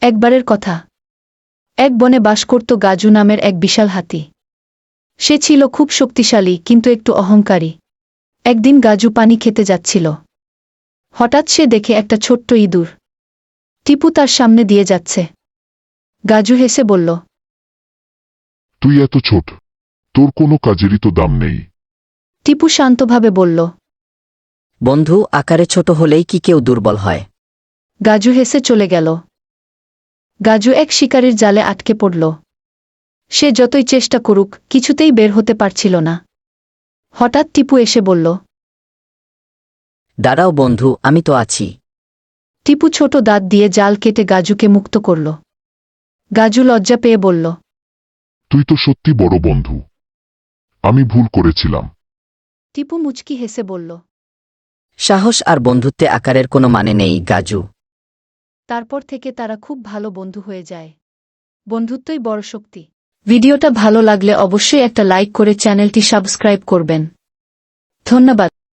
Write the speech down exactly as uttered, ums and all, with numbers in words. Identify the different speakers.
Speaker 1: একবারের কথা, এক বনে বাস করত গাজু নামের এক বিশাল হাতি। সে ছিল খুব শক্তিশালী কিন্তু একটু অহংকারী। একদিন গাজু পানি খেতে যাচ্ছিল। হঠাৎ সে দেখে একটা ছোট্ট ইঁদুর টিপু তার সামনে দিয়ে যাচ্ছে। গাজু হেসে বলল,
Speaker 2: তুই এত ছোট, তোর কোনো কাজেরই তো দাম নেই।
Speaker 1: টিপু শান্তভাবে বলল,
Speaker 3: বন্ধু, আকারে ছোট হলেই কি কেউ দুর্বল হয়?
Speaker 1: গাজু হেসে চলে গেল। গাজু এক শিকারীর জালে আটকে পড়ল। সে যতই চেষ্টা করুক কিছুতেই বের হতে পারছিল না। হঠাৎ টিপু এসে বলল,
Speaker 3: দাঁড়াও বন্ধু, আমি তো আছি।
Speaker 1: টিপু ছোট দাঁত দিয়ে জাল কেটে গাজুকে মুক্ত করল। গাজু লজ্জা পেয়ে বলল,
Speaker 2: তুই তো সত্যি বড় বন্ধু, আমি ভুল করেছিলাম।
Speaker 1: টিপু মুচকি হেসে বলল।
Speaker 3: সাহস আর বন্ধুত্বে আকারের কোনো মানে নেই, গাজু।
Speaker 1: তারপর থেকে তারা খুব ভালো বন্ধু হয়ে যায়। বন্ধুত্বই বড় শক্তি। ভিডিওটা ভালো লাগলে অবশ্যই একটা লাইক করে চ্যানেলটি সাবস্ক্রাইব করবেন। ধন্যবাদ।